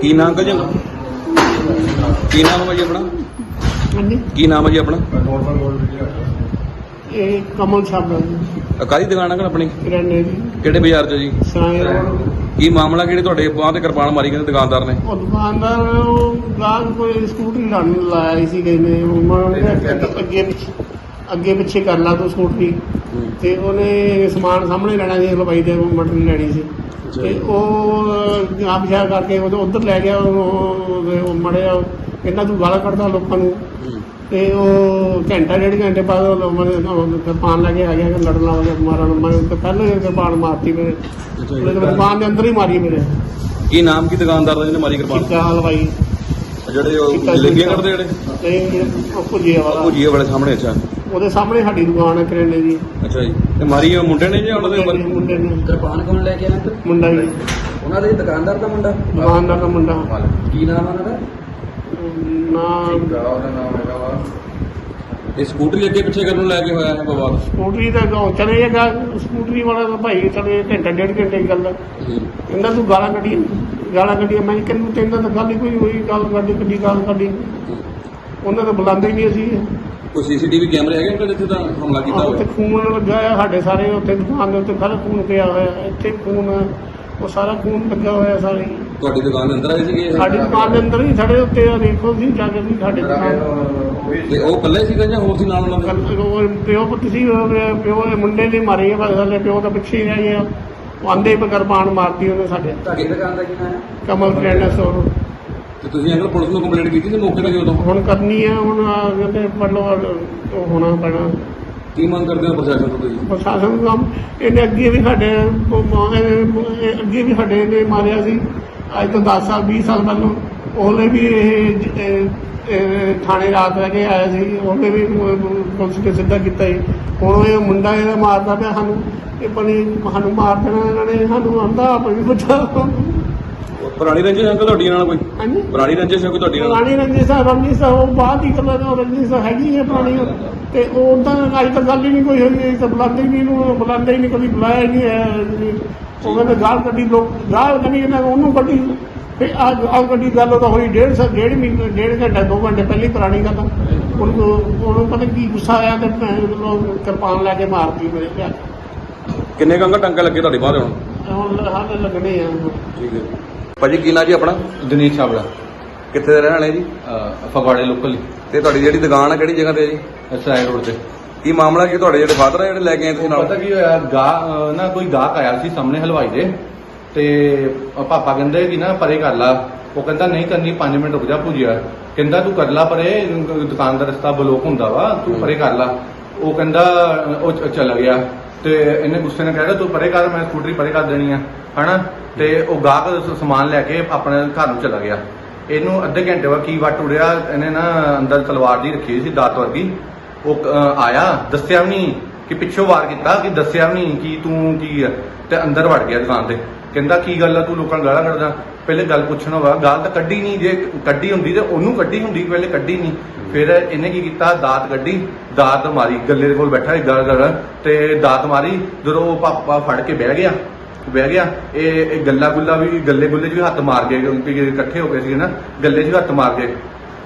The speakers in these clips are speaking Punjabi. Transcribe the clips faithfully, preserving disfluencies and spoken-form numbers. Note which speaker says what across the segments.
Speaker 1: ਕੀ ਨਾਮ ਅੰਕਲ ਜੀ? ਕੀ ਨਾਮ ਹੈ ਜੀ ਆਪਣਾ?
Speaker 2: ਹਾਂਜੀ,
Speaker 1: ਕੀ ਨਾਮ ਹੈ ਜੀ ਆਪਣਾ?
Speaker 2: ਇਹ ਕਮਲ ਸਾਹਿਬ
Speaker 1: ਅ, ਕਾਹਦੀ ਦੁਕਾਨ ਅੰਕਲ ਆਪਣੀ?
Speaker 2: ਕਿਰਾਣੇ ਦੀ
Speaker 1: ਕਿਹੜੇ ਬਾਜ਼ਾਰ 'ਚ ਜੀ?
Speaker 2: ਸਰਾਏ ਰੋਡ।
Speaker 1: ਕੀ ਮਾਮਲਾ ਕਿਹੜੇ ਤੁਹਾਡੇ ਬਾਂਹ ਤੇ ਕਿਰਪਾਨ ਮਾਰੀ ਕਹਿੰਦੇ ਦੁਕਾਨਦਾਰ ਨੇ?
Speaker 2: ਉਹ ਦੁਕਾਨਦਾਰ ਉਹ ਗਾਹਕ ਕੋਈ ਸਕੂਟਰੀ ਲਾਉਣ ਲਾਇਆ ਸੀ ਕਿਸੇ ਨੇ, ਉਹ ਮੈਂ ਉਹਨੇ ਅੱਗੇ ਪਿੱਛੇ ਅੱਗੇ ਪਿੱਛੇ ਕਰ ਲਾ ਤੂੰ ਸਕੂਟਰੀ, ਤੇ ਉਹਨੇ ਸਮਾਨ ਸਾਹਮਣੇ ਲੈਣਾ ਸੀ, ਹਲਵਾਈ ਦੇ ਮਟਨ ਲੈਣੀ ਸੀ, ਤੇ ਉਹ ਆਪ ਸ਼ਾਇਦ ਕਰਕੇ ਉਹ ਉੱਧਰ ਲੈ ਗਿਆ। ਉਹ ਮੜਿਆ ਕਹਿੰਦਾ ਤੂੰ ਗਾਲਾਂ ਕੱਢਦਾ ਲੋਕਾਂ ਨੂੰ, ਤੇ ਉਹ ਘੰਟਾ ਡੇਢ ਘੰਟੇ ਬਾਅਦ ਉਹ ਕਿਰਪਾਨ ਲੈ ਕੇ ਆ ਗਿਆ, ਲੜਨ ਲੱਗ ਗਿਆ ਮਾਰਨ। ਮੈਂ ਪਹਿਲਾਂ ਹੀ ਕਿਰਪਾਨ ਮਾਰਤੀ ਮੇਰੇ, ਉਹਨੇ ਕਿਰਪਾਨ ਦੇ ਅੰਦਰ ਹੀ ਮਾਰੀ ਮੇਰੇ।
Speaker 1: ਕੀ ਨਾਮ ਕੀ ਦੁਕਾਨਦਾਰ ਦਾ ਜਿਹਨੇ ਮਾਰੀ ਕਿਰਪਾਨ?
Speaker 2: ਚਿੱਕਾ ਹਲਵਾਈ,
Speaker 1: ਜਿਹੜੇ ਉਹ ਜਲੇਬੀਆਂ ਕੱਢਦੇ ਜਿਹੜੇ
Speaker 2: ਤੇ ਉਹ ਭੁਜੀਏ ਵਾਲਾ,
Speaker 1: ਭੁਜੀਏ ਵਾਲੇ ਸਾਹਮਣੇ? ਅੱਛਾ,
Speaker 2: ਉਹਦੇ ਸਾਹਮਣੇ ਸਾਡੀ ਦੁਕਾਨ ਹੈ ਕਰਿਆਨੇ ਦੀ।
Speaker 1: ਅੱਛਾ ਜੀ। ਤੇ ਮਾਰੀ ਉਹ ਮੁੰਡੇ ਨੇ ਜਾਂ ਉਹਨਾਂ ਦੇ
Speaker 2: ਮੁੰਡੇ ਮੁੰਡੇ ਨੇ।
Speaker 3: ਕਿਰਪਾਨ ਕੌਣ ਲੈ ਕੇ ਆਇਆ?
Speaker 2: ਮੁੰਡਾ ਹੀ,
Speaker 3: ਉਹਨਾਂ ਦੇ ਦੁਕਾਨਦਾਰ ਦਾ ਮੁੰਡਾ।
Speaker 2: ਦੁਕਾਨਦਾਰ ਦਾ ਮੁੰਡਾ।
Speaker 3: ਕੀ ਨਾਮ ਆ ਉਹਨਾਂ ਦਾ?
Speaker 2: ਨਾ
Speaker 1: ਇਹ ਸਕੂਟਰੀ ਅੱਗੇ ਪਿੱਛੇ ਕਰਨ ਨੂੰ ਲੈ ਕੇ ਹੋਇਆ ਹੈ ਬਵਾਲ?
Speaker 2: ਸਕੂਟਰੀ ਦਾ ਉਹ ਚਲੇ ਜਾਏਗਾ, ਸਕੂਟਰੀ ਵਾਲਾ ਤਾਂ ਭਾਈ ਚਲੇ ਘੰਟਾ ਡੇਢ ਘੰਟੇ ਦੀ ਗੱਲ ਹੈ। ਕਹਿੰਦਾ ਤੂੰ ਗਾਲਾਂ ਕੱਢੀ ਗਾਲਾਂ ਕੱਢੀਆਂ। ਮੈਂ ਕਹਿੰਦਾ ਤੈਨੂੰ ਤਾਂ ਗੱਲ ਹੀ ਕੋਈ ਹੋਈ, ਗੱਲ ਕੱਢੀ ਕੱਢੀ ਗਾਲ ਕੱਢੀ। ਉਹਨਾਂ ਤਾਂ ਬੁਲਾਉਂਦੇ ਹੀ ਨਹੀਂ ਅਸੀਂ।
Speaker 1: ਕੋਈ ਸੀਸੀਟੀਵੀ ਕੈਮਰੇ ਹੈਗੇ ਅੰਕਲ ਜਿੱਥੇ ਤਾਂ ਹਮਲਾ ਕੀਤਾ
Speaker 2: ਉੱਥੇ
Speaker 1: ਹੋਇਆ?
Speaker 2: ਖੂਨ ਲੱਗਾ ਆ ਸਾਡੇ ਸਾਰੇ, ਉੱਥੇ ਦੁਕਾਨ ਦੇ ਉੱਤੇ ਸਾਰਾ ਖੂਨ ਪਿਆ ਹੋਇਆ, ਇੱਥੇ ਖੂਨ, ਉਹ ਸਾਰਾ ਖੂਨ ਲੱਗਾ ਹੋਇਆ ਸਾਰੇ।
Speaker 1: ਤੁਹਾਡੀ ਦੁਕਾਨ ਦੇ ਅੰਦਰ ਆਏ ਸੀਗੇ ਇਹ?
Speaker 2: ਸਾਡੀ ਦੁਕਾਨ ਦੇ ਅੰਦਰ ਹੀ ਸਾਡੇ ਉੱਤੇ ਆ, ਦੇਖੋ ਜੀ ਜਾ ਕੇ ਵੀ ਸਾਡੇ ਦੁਕਾਨ।
Speaker 1: ਤੇ ਉਹ ਇਕੱਲੇ ਸੀਗਾ ਜਾਂ ਹੋਰ ਸੀ ਨਾਲ ਉਹਨਾਂ ਦੇ?
Speaker 2: ਕੱਲ੍ਹ ਉਹ ਪਿਓ ਪੁੱਤ ਸੀ, ਉਹ ਪਿਓ ਦੇ ਮੁੰਡੇ ਨੇ ਮਾਰੀ ਹੈ, ਬਸ ਹਲੇ ਪਿਓ ਤਾਂ ਪਿੱਛੇ ਹੀ ਰਹਿ ਗਿਆ। ਉਹ ਆਂਦੇ ਪਰ ਕਿਰਪਾਨ ਮਾਰਤੀ ਉਹਨੇ ਸਾਡੇ।
Speaker 3: ਤੁਹਾਡੀ ਦੁਕਾਨ ਦਾ ਕੀ ਨਾਮ ਹੈ?
Speaker 2: ਕਮਲ ਕਰਿਆਨਾ ਸਟੋਰ।
Speaker 1: ਤੇ ਤੁਸੀਂ ਅੰਕਲ ਪੁਲਿਸ ਨੂੰ ਕੰਪਲੇਂਟ ਕੀਤੀ ਸੀ ਮੌਕੇ ਤੇ ਉਦੋਂ?
Speaker 2: ਹੁਣ ਕਰਨੀ ਹੈ, ਹੁਣ ਆ ਕਹਿੰਦੇ ਮਤਲਬ ਉਹ ਹੋਣਾ ਪੈਣਾ।
Speaker 1: ਕੀ ਮੰਗ ਕਰਦੇ ਹੋ ਪ੍ਰਸ਼ਾਸਨ ਤੋਂ ਤੁਸੀਂ?
Speaker 2: ਪ੍ਰਸ਼ਾਸਨ ਨੂੰ ਕੰਮ, ਇਹਨੇ ਅੱਗੇ ਵੀ ਸਾਡੇ ਇਹ ਅੱਗੇ ਵੀ ਸਾਡੇ ਨੇ ਮਾਰਿਆ ਸੀ, ਅੱਜ ਤੋਂ ਦਸ ਸਾਲ ਵੀਹ ਸਾਲ ਪਹਿਲਾਂ। ਉਹਨੇ ਵੀ ਇਹ ਜ- ਇਹ- ਇਹ ਥਾਣੇ ਰਾਤ ਰਹਿ ਕੇ ਆਇਆ ਸੀ, ਉਹਨੇ ਵੀ ਪੁਲਿਸ ਨੇ ਸਿੱਧਾ ਕੀਤਾ ਸੀ। ਹੁਣ ਇਹ ਮੁੰਡਾ ਇਹਦਾ ਮਾਰਦਾ ਪਿਆ ਸਾਨੂੰ, ਇਹ ਬਣੀ ਸਾਨੂੰ ਮਾਰ ਦੇਣਾ ਇਹਨਾਂ ਨੇ, ਸਾਨੂੰ ਆਉਂਦਾ ਆਪ ਵੀ ਪਤਾ।
Speaker 1: ਪੁਰਾਣੀ ਰੰਜਿਸ਼ ਅੰਕਲ ਤੁਹਾਡੀ ਨਾਲ ਕੋਈ?
Speaker 2: ਹਾਂਜੀ,
Speaker 1: ਪੁਰਾਣੀ ਰੰਜਿਸ਼ ਹੈ ਕੋਈ ਤੁਹਾਡੀ ਨਾਲ?
Speaker 2: ਪੁਰਾਣੀ ਰੰਜਿਸ਼ ਆ, ਰੰਜਿਸ਼ ਆ, ਉਹ ਬਾਅਦ ਹੀ ਗੱਲਾਂ ਨੇ, ਰੰਜਿਸ਼ ਹੈਗੀ ਹੈ ਪੁਰਾਣੀ। ਤੇ ਉਹ ਉਦਾਂ ਅੱਜ ਤੱਕ ਗੱਲ ਹੀ ਨਹੀਂ ਕੋਈ ਹੋਈ, ਅਸੀਂ ਤਾਂ ਬੁਲਾਉਂਦੇ ਹੀ ਨਹੀਂ, ਇਹਨੂੰ ਬੁਲਾਉਂਦੇ ਹੀ ਨਹੀਂ, ਕਦੀ ਬੁਲਾਇਆ ਹੀ ਨਹੀਂ ਹੈ। ਉਹ ਕਹਿੰਦੇ ਗਾਲ ਕੱਢੀ, ਲੋਕ ਗਾਲ ਕੱਢੀ, ਇਹਨਾਂ ਉਹਨੂੰ ਕੱਢੀ, ਫਿਰ ਆ ਗਾਲ ਕੱਢੀ ਗੱਲ ਤਾਂ ਹੋਈ ਡੇਢ ਸੌ ਡੇਢ ਮਹੀਨੇ ਡੇਢ ਘੰਟਾ ਦੋ ਘੰਟੇ ਪਹਿਲੀ ਪੁਰਾਣੀ ਗੱਲ। ਹੁਣ ਉਹਨੂੰ ਪਤਾ ਕੀ ਗੁੱਸਾ ਆਇਆ ਤੇ ਲੋਕ ਕਿਰਪਾਨ ਲੈ ਕੇ ਮਾਰਤੀ ਮੇਰੇ ਘਰ।
Speaker 1: ਕਿੰਨੇ ਕੰਗਾ ਟੰਕੇ ਲੱਗੇ ਤੁਹਾਡੀ ਬਾਹਰ ਹੁਣ?
Speaker 2: ਹੁਣ ਹਾਲੇ ਲੱਗਣੇ ਆ।
Speaker 1: ਠੀਕ ਹੈ ਭਾਜੀ। ਕੀ ਨਾਂ ਜੀ ਆਪਣਾ?
Speaker 4: ਦਿਨੇਸ਼ ਚਾਵਲਾ,
Speaker 1: ਕਿੱਥੇ ਦੇ ਰਹਿਣ ਵਾਲੇ ਜੀ?
Speaker 4: ਫਗਵਾੜੇ ਲੋਕਲ,
Speaker 1: ਤੇ ਤੁਹਾਡੀ ਜਿਹੜੀ ਦੁਕਾਨ ਹੈ ਕਿਹੜੀ ਜਗ੍ਹਾ ਤੇ ਹੈ ਜੀ?
Speaker 4: ਸਰਾਏ ਰੋਡ ਤੇ।
Speaker 1: ਕੀ ਮਾਮਲਾ ਕੀ ਤੁਹਾਡੇ ਜਿਹੜੇ ਫਾਦਰ ਆ ਜਿਹੜੇ ਲੈ ਕੇ ਆਏ ਤੁਸੀਂ ਨਾਲ?
Speaker 4: ਪਤਾ ਕੀ ਹੋਇਆ, ਗਾਹ ਨਾ ਕੋਈ ਗਾਹਕ ਆਇਆ ਸੀ ਸਾਹਮਣੇ ਹਲਵਾਈ ਦੇ, ਤੇ ਪਾਪਾ ਕਹਿੰਦੇ ਕਿ ਨਾ ਪਰੇ ਕਰ ਲਾ। ਉਹ ਕਹਿੰਦਾ ਨਹੀਂ ਕਰਨੀ, ਪੰਜ ਮਿੰਟ ਰੁਕ ਜਾ ਭੁਜਿਆ। ਕਹਿੰਦਾ ਤੂੰ ਕਰ ਲਾ ਪਰੇ, ਦੁਕਾਨ ਦਾ ਰਸਤਾ ਬਲੋਕ ਹੁੰਦਾ ਵਾ, ਤੂੰ ਪਰੇ ਕਰ ਲਾ। ਉਹ ਕਹਿੰਦਾ ਉਹ ਚ- ਚਲਾ ਗਿਆ, ਤੇ ਇਹਨੇ ਗੁੱਸੇ ਨਾਲ ਕਹਿ ਤੂੰ ਪਰੇ ਕਰ, ਮੈਂ ਸਕੂਟਰੀ ਪਰੇ ਕਰ ਦੇਣੀ ਆ, ਹਨਾ। ਤੇ ਉਹ ਗਾਹਕ ਸਮਾਨ ਲੈ ਕੇ ਆਪਣੇ ਘਰ ਨੂੰ ਚਲਾ ਗਿਆ। ਇਹਨੂੰ ਅੱਧੇ ਘੰਟੇ ਬਾਅਦ ਕੀ ਵੱਟ ਉੜਿਆ, ਇਹਨੇ ਨਾ ਅੰਦਰ ਤਲਵਾਰ ਦੀ ਰੱਖੀ ਸੀ ਦਾਤ ਵਰਗੀ। ਉਹ ਅਹ, ਆਇਆ, ਦੱਸਿਆ ਵੀ ਨਹੀਂ ਕਿ ਪਿੱਛੋਂ ਵਾਰ ਕੀਤਾ, ਕਿ ਦੱਸਿਆ ਵੀ ਨਹੀਂ ਕਿ ਤੂੰ ਕੀ ਆ, ਤੇ ਅੰਦਰ ਵੜ ਗਿਆ ਦੁਕਾਨ ਤੇ। ਕਹਿੰਦਾ ਕੀ ਗੱਲ ਆ, ਤੂੰ ਲੋਕਾਂ ਨੂੰ ਗਾਲਾਂ ਕੱਢਦਾ। ਪਹਿਲੇ ਗੱਲ ਪੁੱਛਣਾ ਵਾ, ਗਾਲ ਤਾਂ ਕੱਢੀ ਨਹੀਂ, ਜੇ ਕੱਢੀ ਹੁੰਦੀ ਤੇ ਉਹਨੂੰ ਕੱਢੀ ਹੁੰਦੀ, ਪਹਿਲੇ ਕੱਢੀ ਨਹੀਂ। ਫਿਰ ਇਹਨੇ ਕੀ ਕੀਤਾ, ਦਾਤ ਕੱਢੀ, ਦਾਤ ਮਾਰੀ, ਗੱਲੇ ਦੇ ਕੋਲ ਬੈਠਾ ਸੀ ਗਲ ਗਲ, ਤੇ ਦਾਤ ਮਾਰੀ। ਜਦੋਂ ਉਹ ਪਾਪਾ ਫੜ ਕੇ ਬਹਿ ਗਿਆ ਬਹਿ ਗਿਆ ਇਹ ਇਹ ਗੱਲਾ ਗੁੱਲਾ ਵੀ, ਗੱਲੇ ਗੁੱਲੇ 'ਚ ਵੀ ਹੱਥ ਮਾਰ ਗਏ, ਕਿਉਂਕਿ ਇਕੱਠੇ ਹੋ ਗਏ ਸੀ ਨਾ, ਗੱਲੇ 'ਚ ਵੀ ਹੱਥ ਮਾਰ ਗਏ।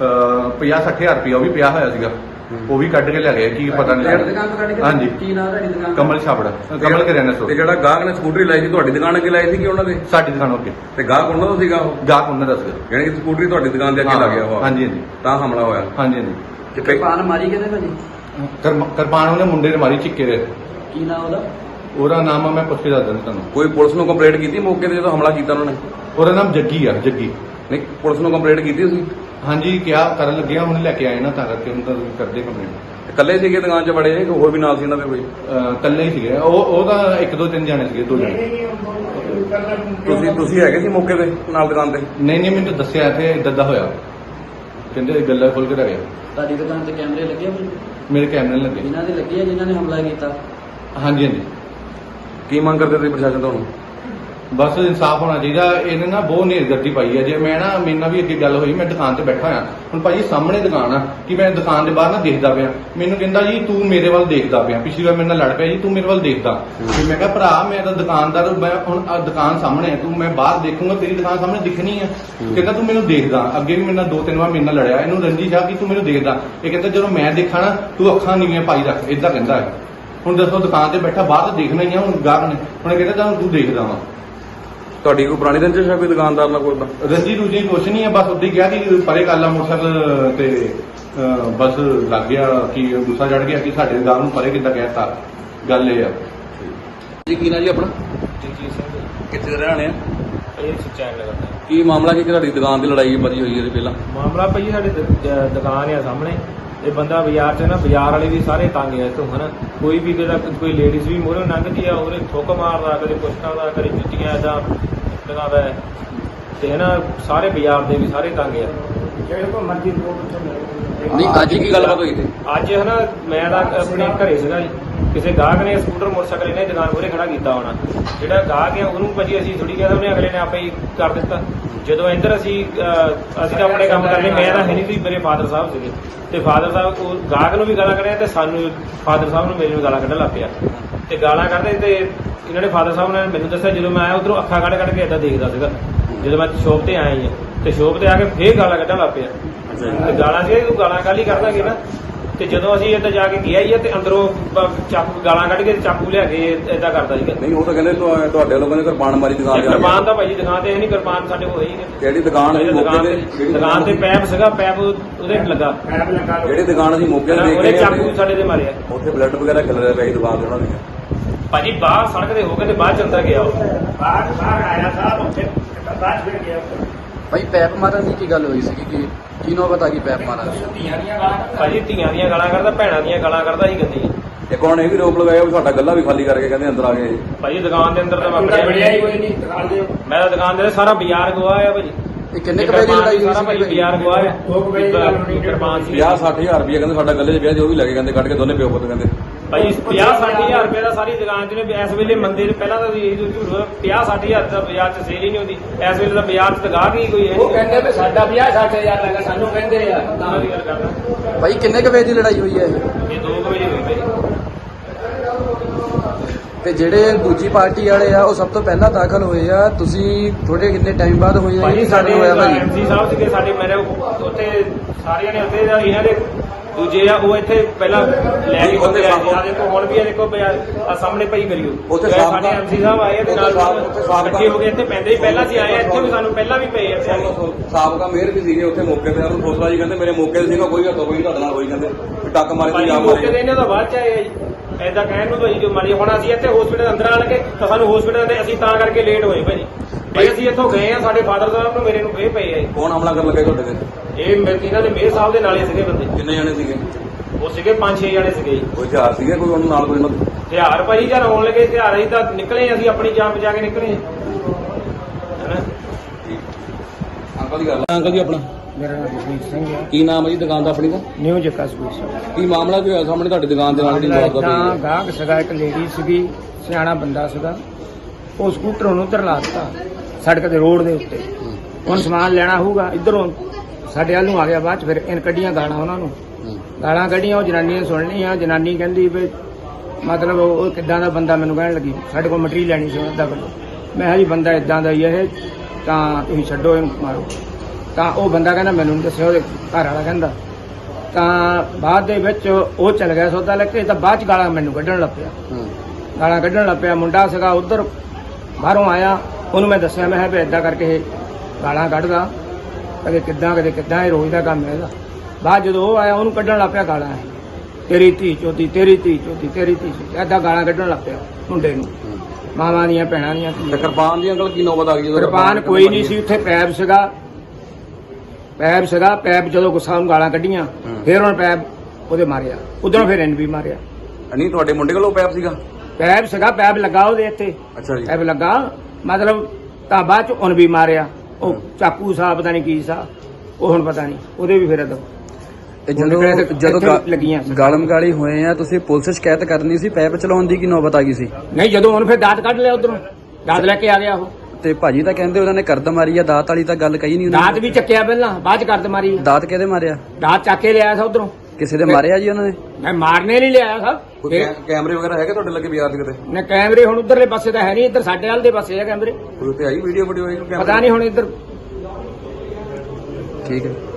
Speaker 4: ਪੰਜਾਹ ਸੱਠ ਹਜ਼ਾਰ ਰੁਪਇਆ ਉਹ ਵੀ ਪਿਆ ਹੋਇਆ ਸੀਗਾ, ਉਹ ਵੀ ਕੱਢ ਕੇ ਲੈ ਗਏ, ਕੀ ਪਤਾ ਨਹੀਂ।
Speaker 3: ਦੁਕਾਨ ਤੋਂ ਕੱਢ ਕੇ?
Speaker 4: ਹਾਂਜੀ।
Speaker 3: ਕੀ ਨਾਮ ਤੁਹਾਡੀ ਦੁਕਾਨ?
Speaker 4: ਕਮਲ ਛਾਬੜਾ, ਕਮਲ ਕਰਿਆਨਾ
Speaker 1: ਤੇ
Speaker 4: ਸਟੋਰ।
Speaker 1: ਜਿਹੜਾ ਗਾਹਕ ਨੇ ਸਕੂਟਰੀ ਲਾਈ ਸੀ ਤੁਹਾਡੀ ਦੁਕਾਨ ਅੱਗੇ ਲਾਈ ਸੀ ਕਿ ਉਹਨਾਂ ਦੇ?
Speaker 4: ਸਾਡੀ ਦੁਕਾਨ ਅੱਗੇ।
Speaker 1: ਤੇ ਗਾਹਕ ਉਹਨਾਂ ਦਾ ਸੀਗਾ ਉਹ?
Speaker 4: ਗਾਹਕ ਉਹਨਾਂ ਦਾ ਸੀਗਾ।
Speaker 1: ਯਾਨੀ ਕਿ ਸਕੂਟਰੀ ਤੁਹਾਡੀ ਦੁਕਾਨ ਦੇ ਅੱਗੇ ਲੱਗ ਗਿਆ ਉਹ?
Speaker 4: ਹਾਂਜੀ ਹਾਂਜੀ
Speaker 1: ਤਾਂ ਹਮਲਾ ਹੋਇਆ?
Speaker 4: ਹਾਂਜੀ ਹਾਂਜੀ।
Speaker 1: ਤੇ
Speaker 3: ਕਿਰਪਾਨ ਮਾਰੀ ਕਿਹਦੇ ਭਾਜੀ?
Speaker 4: ਕਿਰਪਾ- ਕਿਰਪਾਨ ਉਹਨੇ ਮੁੰਡੇ ਨੇ ਮਾਰੀ, ਚਿੱਕੇ ਦੇ।
Speaker 3: ਕੀ ਨਾਮ ਉਹਦਾ?
Speaker 4: ਉਹਦਾ ਨਾਮ ਆ, ਮੈਂ ਪੁੱਛ ਕੇ ਦੱਸ ਦਿੰਦਾ ਤੁਹਾਨੂੰ।
Speaker 1: ਕੋਈ ਪੁਲਿਸ ਨੂੰ ਕੰਪਲੇਂਟ ਕੀਤੀ ਮੌਕੇ ਤੇ ਜਦੋਂ ਹਮਲਾ ਕੀਤਾ ਉਹਨਾਂ ਨੇ?
Speaker 4: ਉਹਦਾ ਨਾਮ ਜੱਗੀ ਆ, ਜੱਗੀ।
Speaker 1: ਨਹੀਂ, ਪੁਲਿਸ ਨੂੰ ਕੰਪਲੇਂਟ ਕੀਤੀ ਤੁਸੀਂ?
Speaker 4: ਹਾਂਜੀ, ਕਿਹਾ ਕਰਨ ਲੱਗਿਆ, ਹੁਣ ਲੈ ਕੇ ਆਏ ਨਾ, ਤਾਂ ਕਰਕੇ ਹੁਣ ਤਾਂ ਕਰਦੇ ਕੰਪਲੇਂਟ।
Speaker 1: ਇਕੱਲੇ ਸੀਗੇ ਦੁਕਾਨ 'ਚ ਬੜੇ ਕਿ ਹੋਰ ਵੀ ਨਾਲ ਸੀ ਇਹਨਾਂ ਦੇ ਕੋਈ?
Speaker 4: ਇਕੱਲੇ ਹੀ ਸੀਗੇ ਉਹ, ਉਹਦਾ ਇੱਕ ਦੋ ਤਿੰਨ ਜਾਣੇ ਸੀਗੇ, ਦੋ ਜਾਣੇ।
Speaker 1: ਤੁਸੀਂ ਤੁਸੀਂ ਹੈਗੇ ਸੀ ਮੌਕੇ ਤੇ ਨਾਲ ਦੁਕਾਨ ਤੇ?
Speaker 4: ਨਹੀਂ ਨਹੀਂ, ਮੈਨੂੰ ਤਾਂ ਦੱਸਿਆ ਇੱਥੇ ਇਦਾਂ ਦਾ ਹੋਇਆ, ਕਹਿੰਦੇ ਗੱਲਾਂ ਖੋਲ ਕੇ ਰਹਿ ਗਿਆ।
Speaker 3: ਤੁਹਾਡੀ ਦੁਕਾਨ ਤੇ ਕੈਮਰੇ ਲੱਗੇ ਹੋਏ?
Speaker 4: ਮੇਰੇ ਕੈਮਰੇ ਨੀ ਲੱਗੇ।
Speaker 3: ਇਹਨਾਂ ਦੇ ਲੱਗੇ ਆ ਜਿਨ੍ਹਾਂ ਨੇ ਹਮਲਾ ਕੀਤਾ?
Speaker 4: ਹਾਂਜੀ ਹਾਂਜੀ।
Speaker 1: ਕੀ ਮੰਗ ਕਰਦੇ ਤੁਸੀਂ ਪ੍ਰਸ਼ਾਸਨ ਤੋਂ?
Speaker 4: ਬਸ ਇਨਸਾਫ ਹੋਣਾ ਚਾਹੀਦਾ। ਇਹਨੇ ਨਾ ਬਹੁਤ ਨੇਰਗਤੀ ਪਾਈ ਹੈ। ਜੇ ਮੈਂ ਨਾ ਮੇਰੇ ਨਾਲ ਵੀ ਅੱਗੇ ਗੱਲ ਹੋਈ, ਮੈਂ ਦੁਕਾਨ ਤੇ ਬੈਠਾ ਆ, ਹੁਣ ਭਾਜੀ ਸਾਹਮਣੇ ਦੁਕਾਨ ਆ ਕਿ ਮੈਂ ਦੁਕਾਨ ਦੇ ਬਾਹਰ ਨਾ ਦੇਖਦਾ ਪਿਆ, ਮੈਨੂੰ ਕਹਿੰਦਾ ਜੀ ਤੂੰ ਮੇਰੇ ਵੱਲ ਦੇਖਦਾ ਪਿਆ, ਪਿਛਲੀ ਵਾਰ ਮੇਰੇ ਨਾਲ ਲੜ ਪਿਆ ਜੀ ਤੂੰ ਮੇਰੇ ਵੱਲ ਦੇਖਦਾ। ਤੇ ਮੈਂ ਕਿਹਾ ਭਰਾ ਮੈਂ ਤਾਂ ਦੁਕਾਨਦਾਰ, ਮੈਂ ਹੁਣ ਆਹ ਦੁਕਾਨ ਸਾਹਮਣੇ ਹੈ, ਤੂੰ ਮੈਂ ਬਾਹਰ ਦੇਖੂੰਗਾ, ਤੇਰੀ ਦੁਕਾਨ ਸਾਹਮਣੇ ਦਿਖਣੀ ਆ। ਕਹਿੰਦਾ ਤੂੰ ਮੈਨੂੰ ਦੇਖਦਾ। ਅੱਗੇ ਵੀ ਮੇਰੇ ਨਾਲ ਦੋ ਤਿੰਨ ਵਾਰ ਮੇਰੇ ਨਾਲ ਲੜਿਆ, ਇਹਨੂੰ ਰੰਜਿਸ਼ ਆ ਕਿ ਤੂੰ ਮੈਨੂੰ ਦੇਖਦਾ। ਇਹ ਕਹਿੰਦਾ ਜਦੋਂ ਮੈਂ ਦੇਖਾਂ ਨਾ ਤੂੰ ਅੱਖਾਂ ਨੀਵੀਆਂ ਪਾਈ ਰੱਖ, ਏਦਾਂ ਕਹਿੰਦਾ ਹੈ। ਹੁਣ ਦੱਸੋ ਦੁਕਾਨ ਤੇ ਬੈਠਾ, ਬਾਹਰ ਤਾਂ ਦੇਖਣਾ ਹੀ ਆ ਹੁਣ ਗਾਹਕ ਨੇ, ਹੁਣ ਇਹ ਕਹਿੰਦਾ ਤੂੰ ਦੇਖਦਾ ਵਾ।
Speaker 1: ਤੁਹਾਡੀ ਕੋਈ ਪੁਰਾਣੀ ਰੰਜਿਸ਼ ਹੈ ਕੋਈ ਦੁਕਾਨਦਾਰ ਨਾਲ ਕੋਈ ਦਾ?
Speaker 4: ਰੰਜੀ ਰੂਜੀ ਕੁਛ ਨਹੀਂ ਹੈ, ਬਸ ਉੱਦਾਂ ਹੀ ਕਿਹਾ ਕਿ ਪਰੇ ਕਰ ਲਾ ਮੋਟਰਸਾਈਕਲ ਤੇ ਅਹ, ਬਸ ਲੱਗ ਗਿਆ ਕਿ ਗੁੱਸਾ ਚੜ ਗਿਆ ਕਿ ਸਾਡੇ ਗਾਹ ਨੂੰ ਪਰੇ ਕਿੱਦਾਂ ਕਹਿਤਾ। ਗੱਲ ਇਹ ਆ।
Speaker 1: ਜੀ ਕੀ ਨਾ ਜੀ ਆਪਣਾ?
Speaker 5: ਜਗਜੀਤ ਸਿੰਘ
Speaker 1: ਕਿੱਥੇ ਦੇ ਰਹਿਣੇ ਆ?
Speaker 5: ਇਹ ਸੁਚੈਨ ਲਗਾਉਂਦਾ।
Speaker 1: ਕੀ ਮਾਮਲਾ ਕੀ ਕਿ ਤੁਹਾਡੀ ਦੁਕਾਨ ਦੀ ਲੜਾਈ ਬਜੀ ਹੋਈ ਹੈ ਪਹਿਲਾਂ?
Speaker 5: ਮਾਮਲਾ ਭਾਜੀ ਸਾਡੇ ਦ- ਦ- ਦੁਕਾਨ ਆ ਸਾਹਮਣੇ, ਇਹ ਬੰਦਾ ਬਾਜ਼ਾਰ 'ਚ ਨਾ, ਬਾਜ਼ਾਰ ਵਾਲੇ ਵੀ ਸਾਰੇ ਤੰਗ ਆ ਇੱਥੋਂ ਹਨਾ। ਕੋਈ ਵੀ ਕਿਹਦਾ ਕੋਈ ਲੇਡੀਜ਼ ਵੀ ਮੂਹਰੇ ਲੰਘਦੀ ਆ, ਉਹਦੇ ਥੁੱਕ ਮਾਰਦਾ, ਕਦੇ ਕੁਛ ਕਰਦਾ, ਕਦੇ ਜੁੱਤੀਆਂ ਏਦਾਂ ਲਗਾਉਂਦਾ ਹੈ। ਤੇ ਨਾ ਸਾਰੇ ਬਾਜ਼ਾਰ ਦੇ ਵੀ ਸਾਰੇ ਤੰਗ ਆ। ਜਿਹੜੇ ਕੋ ਮਰਜ਼ੀ
Speaker 1: ਨਹੀਂ ਅੱਜ ਕੀ ਗੱਲਬਾਤ ਹੋਈ ਤੇ?
Speaker 5: ਅੱਜ ਹਨਾ ਮੈਂ ਤਾਂ ਆਪਣੇ ਘਰੇ ਸੀਗਾ ਜੀ, ਕਿਸੇ ਗਾਹਕ ਨੇ ਸਕੂਟਰ ਮੋਟਰਸਾਈਕਲ ਇਹਨੇ ਦੁਕਾਨ ਮੂਹਰੇ ਖੜਾ ਕੀਤਾ ਹੋਣਾ। ਜਿਹੜਾ ਗਾਹਕ ਆ ਉਹਨੂੰ ਭਾਜੀ ਅਸੀਂ ਥੋੜੀ ਕਹਿ ਦਿੰਦੇ, ਅਗਲੇ ਨੇ ਆਪੇ ਹੀ ਕਰ ਦਿੱਤਾ। ਜਦੋਂ ਇੱਧਰ ਅਸੀਂ ਅਹ, ਅਸੀਂ ਤਾਂ ਆਪਣੇ ਕੰਮ ਕਰਨੇ, ਮੈਂ ਤਾਂ ਹੈ ਨਹੀਂ ਸੀ, ਮੇਰੇ ਫਾਦਰ ਸਾਹਿਬ ਸੀਗੇ, ਤੇ ਫਾਦਰ ਸਾਹਿਬ ਉਹ ਗਾਹਕ ਨੂੰ ਵੀ ਗਾਲਾਂ ਕੱਢਿਆ ਤੇ ਸਾਨੂੰ ਫਾਦਰ ਸਾਹਿਬ ਨੂੰ ਮੇਰੇ ਨੂੰ ਗਾਲਾਂ ਕੱਢਣ ਲੱਗ ਪਿਆ। ਤੇ ਗਾਲਾਂ ਕੱਢਦੇ ਤੇ ਇਹਨਾਂ ਨੇ ਫਾਦਰ ਸਾਹਿਬ ਨੇ ਮੈਨੂੰ ਦੱਸਿਆ, ਜਦੋਂ ਮੈਂ ਆਇਆ ਉਧਰੋਂ ਅੱਖਾਂ ਕੱਢ ਕੱਢ ਕੇ ਏਦਾਂ ਦੇਖਦਾ ਸੀਗਾ। ਜਦੋਂ ਮੈਂ ਸ਼ੋਪ ਤੇ ਆਇਆ ਹੀ ਤੇ ਸ਼ੋਪ ਤੇ ਆ ਕੇ ਫੇਰ ਗਾਲਾਂ ਕੱਢਣ ਲੱਗ ਪਿਆ। ਤੇ ਗਾਲਾਂ ਸੀ ਤੂੰ ਗਾਲਾਂ ਕਾਹਲੀ ਕਰਦਾਂਗੇ ਨਾ। ਤੇ ਜਦੋਂ ਅਸੀਂ ਇੱਥੇ ਜਾ ਕੇ ਗਿਆ ਹੀ ਆ ਤੇ ਅੰਦਰੋਂ ਬ- ਚਾਕੂ ਗਾਲਾਂ ਕੱਢ ਕੇ ਤੇ ਚਾਕੂ ਲਿਆ ਕੇ ਏਦਾਂ ਕਰਦਾ ਸੀਗਾ।
Speaker 1: ਨਹੀਂ ਉਹ ਤਾਂ ਕਹਿੰਦੇ ਤੁਹਾ- ਤੁਹਾਡੇ ਲੋਕਾਂ ਨੇ ਕਿਰਪਾਨ ਮਾਰੀ ਦੁਕਾਨ ਤੇ ਆ ਕੇ।
Speaker 5: ਕਿਰਪਾਨ ਤਾਂ ਭਾਜੀ ਦੁਕਾਨ ਤੇ ਹੈ ਨਹੀਂ, ਕਿਰਪਾਨ ਸਾਡੇ ਕੋਲ ਹੈ ਹੀ ਨਹੀਂ।
Speaker 1: ਕਿਹੜੀ ਦੁਕਾਨ ਸੀ
Speaker 5: ਦੁਕਾਨ
Speaker 1: ਮੌਕੇ
Speaker 5: ਤੇ
Speaker 1: ਤੇ? ਕਿਹੜੀ
Speaker 5: ਦੁਕਾਨ ਤੇ ਪੈਪ ਸੀਗਾ, ਪੈਪ ਉਹਦੇ ਲੱਗਾ।
Speaker 1: ਜਿਹੜੀ ਦੁਕਾਨ ਅਸੀਂ ਮੌਕੇ ਤੇ
Speaker 5: ਉਹਨੇ
Speaker 1: ਦੇਖ
Speaker 5: ਚਾਕੂ
Speaker 1: ਕੇ
Speaker 5: ਸਾਡੇ ਤੇ ਮਾਰਿਆ।
Speaker 1: ਉੱਥੇ ਬਲੱਡ ਵਗੈਰਾ ਖਿਲ ਰਿਹਾ ਪਿਆ ਦੁਕਾਨ ਤੇ ਉਹਨਾਂ ਦੀ।
Speaker 5: ਭਾਜੀ ਬਾਹਰ ਸੜਕ ਤੇ ਹੋ ਕੇ ਤੇ ਬਾਅਦ ਚ ਅੰਦਰ ਗਿਆ ਉਹ। ਬਾਹਰ ਬਾਹਰ ਆਇਆ ਸਾਹਿਬ ਉੱਥੇ ਬਾਅਦ ਫਿਰ ਗਿਆ।
Speaker 3: ਭਾਈ ਪੈਪ ਮਾਰਨ ਦੀ ਕੀ ਗੱਲ ਹੋਈ ਸੀਗੀ ਕਿ ਕੀ ਨੌਬਤ ਆ ਗਈ ਪੈਪ ਮਾਰਨ ਦੀ?
Speaker 5: ਭਾਜੀ ਧੀਆਂ ਦੀਆਂ ਗਾਲਾਂ ਕਰਦਾ, ਭੈਣਾਂ ਦੀਆਂ ਗਾਲਾਂ ਕਰਦਾ ਸੀ ਗੰਦੀ।
Speaker 1: ਇੱਕ ਹੁਣ ਇਹ ਵੀ ਰੋਕ ਲਗਾਇਆ ਵੀ ਸਾਡਾ ਗੱਲਾ ਵੀ ਖਾਲੀ ਕਰਕੇ ਕਹਿੰਦੇ ਅੰਦਰ ਆ ਗਏ।
Speaker 5: ਭਾਜੀ ਦੁਕਾਨ ਦੇ ਅੰਦਰ ਤਾਂ ਮੈਂ ਬੜਿਆ ਹੀ ਕੋਈ ਨਹੀਂ। ਮੈਂ ਤਾਂ ਦੁਕਾਨ ਦੇ ਸਾਰਾ ਬਾਜ਼ਾਰ ਗਵਾਇਆ ਭਾਜੀ।
Speaker 3: ਇਹ ਕਿੰਨੇ ਕੁ ਵਜੇ ਦੀ ਲੜਾਈ ਹੋਈ
Speaker 5: ਸਾਰਾ ਭਾਜੀ
Speaker 3: ਸੀ?
Speaker 5: ਬਾਜ਼ਾਰ ਗਵਾਇਆ। ਕਿਰਪਾਨ ਸੀ
Speaker 1: ਪੰਜਾਹ ਸੱਠ ਹਜ਼ਾਰ ਰੁਪਏ ਕਹਿੰਦੇ ਸਾਡਾ ਗੱਲੇ 'ਚ ਵਿਆਹ ਜੋ ਵੀ ਲੱਗੇ ਕਹਿੰਦੇ ਕੱਢ ਕੇ ਦੋਨੇ ਪਿਓ ਪੁੱਤ ਕਹਿੰਦੇ।
Speaker 5: ਭਾਜੀ ਪੰਜਾਹ ਸੱਠ ਹਜ਼ਾਰ ਰੁਪਏ ਦਾ ਸਾਰੀ ਦੁਕਾਨ 'ਚ ਨੇ ਇਸ ਵੇਲੇ ਮੰਦੇ ਨੇ। ਪਹਿਲਾਂ ਤਾਂ ਇਹ ਪੰਜਾਹ ਸੱਠ ਹਜ਼ਾਰ ਦਾ ਬਾਜ਼ਾਰ 'ਚ ਸੇਲ ਹੀ ਨਹੀਂ ਹੁੰਦੀ। ਇਸ ਵੇਲੇ ਤਾਂ ਬਾਜ਼ਾਰ 'ਚ ਤਾਂ ਗਾਹਕ ਹੀ ਕੋਈ ਹੈ।
Speaker 3: ਉਹ ਕਹਿੰਦੇ ਵੀ ਸਾਡਾ ਪੰਜਾਹ ਸੱਠ ਹਜ਼ਾਰ ਲੱਗਾ, ਸਾਨੂੰ ਕਹਿੰਦੇ ਆ।
Speaker 5: ਉਹਨਾਂ ਦੀ ਗੱਲ ਕਰਦਾ।
Speaker 3: ਭਾਈ ਕਿੰਨੇ ਕੁ ਵਜੇ ਦੀ ਲੜਾਈ ਹੋਈ ਹੈ ਇਹ?
Speaker 5: ਇਹ ਦੋ ਕੁ ਵਜੇ ਹੋਈ ਭਾਜੀ।
Speaker 3: ਤੇ ਜਿਹੜੇ ਦੂਜੀ ਪਾਰਟੀ ਵਾਲੇ ਆ ਉਹ ਸਭ ਤੋਂ ਪਹਿਲਾਂ ਦਾਖਲ ਹੋਏ ਆ, ਤੁਸੀਂ ਥੋੜੇ ਕਿੰਨੇ ਟਾਈਮ ਬਾਅਦ ਹੋਏ ਆ?
Speaker 5: ਭਾਜੀ
Speaker 3: ਇਹ
Speaker 5: ਸਾਡੇ
Speaker 3: ਹੋਇਆ ਭਾਜੀ?
Speaker 5: ਐਮਸੀ ਸਾਹਿਬ ਸੀਗੇ ਸਾਡੇ, ਮੇਰੇ ਉੱਥੇ ਸਾਰਿਆਂ ਨੇ ਉੱਥੇ ਦਾ ਇਹਨਾਂ ਦੇ ਦੂਜੇ ਆ ਉਹ ਇੱਥੇ ਪਹਿਲਾਂ ਲੈ ਕੇ
Speaker 1: ਉੱਥੇ
Speaker 5: ਉੱਥੇ
Speaker 1: ਸਾਫ਼-
Speaker 5: ਆ ਦੇਖੋ ਹੁਣ ਵੀ ਆ ਦੇਖੋ ਆ ਸਾਹਮਣੇ ਪਈ ਕਰਿਓ।
Speaker 1: ਉੱਥੇ
Speaker 5: ਤੇ
Speaker 1: ਸਾਫ਼-
Speaker 5: ਸਾਡੇ ਐਮਸੀ ਸਾਹਿਬ ਆਏ ਤੇ ਨਾਲ
Speaker 1: ਉੱਥੇ ਸਾਫ਼- ਉੱਥੇ ਸਾਫ਼-
Speaker 5: ਇਕੱਠੇ ਹੋ ਗਏ ਇੱਥੇ ਪੈਂਦੇ ਹੀ ਪਹਿਲਾਂ ਸੀ ਆਏ ਆ, ਇੱਥੇ ਵੀ ਸਾਨੂੰ ਪਹਿਲਾਂ ਵੀ ਪਏ ਇੱਥੇ ਆ ਕੇ।
Speaker 1: ਸਾਬਕਾ ਮੇਅਰ ਵੀ ਸੀਗੇ ਉੱਥੇ ਮੌਕੇ ਤੇ। ਉਹਨੂੰ ਫੋਸਲਾ ਜੀ ਕਹਿੰਦੇ ਮੇਰੇ ਮੌਕੇ ਤੇ ਸੀਗਾ, ਕੋਈ ਹੱਥੋਂ ਕੋਈ ਤੁਹਾਡੇ ਨਾਲ ਹੋਈ ਕਹਿੰਦੇ ਵੀ ਟੱਕ ਮਾਰੀ
Speaker 5: ਭਾਜੀ
Speaker 1: ਪੰਜਾਬ
Speaker 5: ਮੌਕੇ ਤੇ
Speaker 1: ਮਾਰੀ।
Speaker 5: ਇਹਨਾਂ ਦਾ ਬਾਅਦ ਚ ਆਏ ਆ ਜੀ। ਏਦਾਂ ਕਹਿਣ ਨੂੰ ਭਾਜੀ ਜੋ ਮਾਰੀ ਹੁਣ ਅਸੀਂ ਇੱਥੇ ਹਸਪੀਟਲ ਅੰਦਰ ਆਣ ਕੇ ਤਾਂ ਸਾਨੂੰ ਹਸਪੀਟਲ ਦੇ ਅਸੀਂ ਤਾਂ ਕਰਕੇ ਲੇਟ ਹੋਏ ਭਾਜੀ। ਭਾਈ ਅਸੀਂ ਇੱਥੋਂ ਗਏ ਆ, ਸਾਡੇ ਫਾਦਰ ਸਾਹਿਬ ਨੂੰ ਮੇਰੇ ਨੂੰ ਫੇਰ ਪਏ ਆ ਜੀ।
Speaker 1: ਕੌਣ ਹਮਲਾ ਕਰਨ ਲੱਗੇ ਤੁਹਾਡੇ ਤੇ?
Speaker 5: ਇਹ ਮੇ- ਇਹਨਾਂ ਦੇ ਮੇਅਰ ਸਾਹਿਬ ਦੇ ਨਾਲੇ ਸੀਗੇ ਬੰਦੇ।
Speaker 1: ਕਿੰਨੇ ਜਣੇ ਸੀਗੇ?
Speaker 5: ਉਹ ਸੀਗੇ ਪੰਜ ਛੇ ਜਣੇ ਸੀਗੇ ਜੀ।
Speaker 1: ਕੋਈ ਹਥਿਆਰ ਸੀਗੇ ਕੋਈ ਉਹਨਾਂ ਨਾਲ ਕੋਈ?
Speaker 5: ਹਥਿਆਰ ਭਾਜੀ ਜਦ ਆਉਣ ਲੱਗੇ ਹਥਿਆਰ ਅਸੀਂ ਤਾਂ ਨਿਕਲੇ ਅਸੀਂ ਆਪਣੀ ਜਾਨ ਬਚਾ ਕੇ ਨਿਕਲੇ ਹੈਨਾ।
Speaker 1: ਅੰਕਲ ਦੀ ਗੱਲ ਅੰਕਲ ਜੀ ਆਪਣਾ
Speaker 2: ਮੇਰਾ ਨਾਮ ਜਸਮੀਤ ਸਿੰਘ ਹੈ,
Speaker 1: ਕੀ ਨਾਮ ਹੈ ਜੀ ਦੁਕਾਨ ਦਾ ਆਪਣੀ ਦਾ?
Speaker 2: New Jakka sweet shop.
Speaker 1: ਕੀ ਮਾਮਲਾ ਕੀ ਹੋਇਆ ਸਾਹਮਣੇ ਤੁਹਾਡੀ ਦੁਕਾਨ ਦੇ ਨਾਲ ਜਿਹੜੀ ਵਾਰਦਾਤ ਹੋਈ
Speaker 2: ਤਾਂ
Speaker 1: ਹੈ?
Speaker 2: ਗਾਹਕ ਸੀਗਾ, ਇੱਕ ਲੇਡੀ ਸੀਗੀ, ਸਿਆਣਾ ਬੰਦਾ ਸੀਗਾ, ਉਹ ਸਕੂਟਰ ਉਹਨੂੰ ਉੱਧਰ ਲਾ ਦਿੱਤਾ ਸੜਕ ਦੇ ਰੋਡ ਦੇ ਉੱਤੇ। ਹੁਣ ਸਮਾਨ ਲੈਣਾ ਹੋਊਗਾ, ਇੱਧਰੋਂ ਸਾਡੇ ਵੱਲ ਨੂੰ ਆ ਗਿਆ। ਬਾਅਦ ਚ ਫਿਰ ਇਹਨ ਕੱਢੀਆਂ ਗਾਲਾਂ ਉਹਨਾਂ ਨੂੰ, ਗਾਲਾਂ ਕੱਢੀਆਂ। ਉਹ ਜਨਾਨੀ ਨੇ ਸੁਣ ਲਈਆਂ। ਜਨਾਨੀ ਕਹਿੰਦੀ ਵੀ ਮਤਲਬ ਉਹ ਕਿੱਦਾਂ ਦਾ ਬੰਦਾ, ਮੈਨੂੰ ਕਹਿਣ ਲੱਗੀ ਸਾਡੇ ਕੋਲ ਮਟਰੀ ਲੈਣੀ ਸੀ ਉਹਦਾ ਵੱਲੋਂ। ਮੈਂ ਕਿਹਾ ਜੀ ਬੰਦਾ ਇਦਾਂ ਦਾ ਹੀ ਹੈ ਇਹ, ਤਾਂ ਤੁਸੀਂ ਛੱਡੋ ਇਹਨੂੰ ਮਾਰੋ। ਤਾਂ ਉਹ ਬੰਦਾ ਕਹਿੰਦਾ ਮੈਨੂੰ ਨਹੀਂ ਦੱਸਿਆ, ਉਹਦੇ ਘਰ ਵਾਲਾ ਕਹਿੰਦਾ। ਤਾਂ ਬਾਅਦ ਦੇ ਵਿੱਚ ਉਹ ਚਲ ਗਿਆ ਸੌਦਾ ਲੈ ਕੇ, ਤਾਂ ਬਾਅਦ ਚ ਗਾਲਾਂ ਮੈਨੂੰ ਕੱਢਣ ਲੱਗ ਪਿਆ। ਗਾਲਾਂ ਕੱਢਣ ਲੱਗ ਪਿਆ। ਮੁੰਡਾ ਸੀਗਾ ਉੱਧਰ ਬਾਹਰੋਂ ਆਇਆ, ਉਹਨੂੰ ਮੈਂ ਦੱਸਿਆ, ਮੈਂ ਕਿਹਾ ਵੀ ਏਦਾਂ ਕਰਕੇ ਇਹ ਗਾਲਾਂ ਕੱਢਦਾ, ਕਦੇ ਕਿੱਦਾਂ ਕਦੇ ਕਿੱਦਾਂ, ਇਹ ਰੋਜ਼ ਦਾ ਕੰਮ ਹੈ ਇਹਦਾ। ਬਾਅਦ ਜਦੋਂ ਉਹ ਆਇਆ ਉਹਨੂੰ ਕੱਢਣ ਲੱਗ ਪਿਆ ਗਾਲਾਂ, ਤੇਰੀ ਧੀ ਚੋਦੀ, ਤੇਰੀ ਧੀ ਚੋਦੀ, ਤੇਰੀ ਧੀ ਚੋਦੀ, ਏਦਾਂ ਗਾਲਾਂ ਕੱਢਣ ਲੱਗ ਪਿਆ ਮੁੰਡੇ ਨੂੰ, ਮਾਵਾਂ ਦੀਆਂ ਭੈਣਾਂ ਦੀਆਂ।
Speaker 1: ਤੇ ਕਿਰਪਾਨ ਦੀ ਅੰਕਲ ਕੀ ਨੌਬਤ ਆ ਗਈ ਜਦੋਂ?
Speaker 2: ਕਿਰਪਾਨ ਕੋਈ ਨਹੀਂ ਸੀ ਉੱਥੇ, ਪੈਪ ਸੀਗਾ, ਪੈਪ ਸੀਗਾ। ਪੈਪ ਜਦੋਂ ਗੁੱਸਾ ਨੂੰ ਗਾਲਾਂ ਕੱਢੀਆਂ, ਫਿਰ ਉਹਨੇ ਪੈਪ ਉਹਦੇ ਮਾਰਿਆ, ਉਧਰੋਂ ਫਿਰ ਇਹਨੂੰ ਵੀ ਮਾਰਿਆ।
Speaker 1: ਨਹੀਂ ਤੁਹਾਡੇ ਮੁੰਡੇ ਕੋਲੋਂ ਪੈਪ ਸੀਗਾ?
Speaker 2: ਪੈਪ ਸੀਗਾ, ਪੈਪ ਲੱਗਾ ਉਹਦੇ ਇੱਥੇ,
Speaker 1: ਅੱਛਾ ਜੀ।
Speaker 2: ਪੈਪ ਲੱਗਾ ਮਤਲਬ। ਤਾਂ ਬਾਅਦ ਚ ਉਹਨ ਵੀ ਮਾਰਿਆ, ਉਹ ਚਾਕੂ ਸਾ ਪਤਾ ਨਹੀਂ ਕੀ ਸਾ, ਉਹ ਹੁਣ ਪਤਾ ਨਹੀਂ ਉਹਦੇ ਵੀ ਫਿਰ ਅਦੋਂ
Speaker 3: ਜਦੋਂ ਜਦੋਂ
Speaker 2: ਲੱਗੀਆਂ ਸੀ।
Speaker 3: ਗਾਲਮ ਗਾਲੀ ਹੋਏ ਆ, ਤੁਸੀਂ ਪੁਲਿਸ ਸ਼ਿਕਾਇਤ ਕਰਨੀ ਸੀ, ਪੈਪ ਚਲਾਉਣ ਦੀ ਕੀ ਨੌਬਤ ਆ ਗਈ ਸੀ?
Speaker 2: ਨਹੀਂ, ਜਦੋਂ ਉਹਨ ਫਿਰ ਦਾਤ ਕੱਢ ਲਿਆ ਉਧਰੋਂ,
Speaker 6: ਦਾਤ ਲੈ ਕੇ ਆ ਗਿਆ ਉਹ
Speaker 3: ਤੇ ਭਾਜੀ ਤਾਂ ਕਹਿੰਦੇ ਉਹਨਾਂ ਨੇ ਕਰਦ ਮਾਰੀ ਆ, ਦਾਤ ਵਾਲੀ ਤਾਂ ਗੱਲ ਕਹੀ ਨਹੀਂ
Speaker 6: ਦਾਤ ਵੀ ਚੱਕਿਆ ਪਹਿਲਾਂ, ਬਾਅਦ ਚ ਕਰਦ ਮਾਰੀ।
Speaker 3: ਦਾਤ ਕਿਹਦੇ ਮਾਰਿਆ?
Speaker 6: ਦਾਤ ਚੱਕ ਕੇ ਲਿਆਇਆ ਸੀ ਉਧਰੋਂ।
Speaker 3: ਕਿਸੇ ਦੇ ਮਾਰਿਆ ਜੀ ਉਹਨਾਂ ਨੇ?
Speaker 6: ਮੈਂ ਮਾਰਨੇ ਲਈ ਲਿਆਇਆ ਸਭ।
Speaker 1: ਕੋਈ ਕੈ- ਕੈਮਰੇ ਵਗੈਰਾ ਹੈਗੇ ਤੁਹਾਡੇ ਲੱਗੇ ਬਾਜ਼ਾਰ ਦੇ ਕਿਤੇ?
Speaker 6: ਨੇ ਕੈਮਰੇ ਹੁਣ ਉਧਰਲੇ ਪਾਸੇ ਤਾਂ ਹੈ ਨਹੀਂ, ਇੱਧਰ ਸਾਡੇ ਵਾਲੇ ਦੇ ਪਾਸੇ ਆ ਕੈਮਰੇ।
Speaker 1: ਕੋਈ ਉੱਤੇ ਆਈ ਵੀਡੀਓ ਵੀਡੀਓ ਆਈ ਕੋਈ ਕੈਮਰੇ?
Speaker 6: ਪਤਾ ਨਹੀਂ ਹੁਣ ਇੱਧਰ
Speaker 3: ਠੀਕ ਹੈ।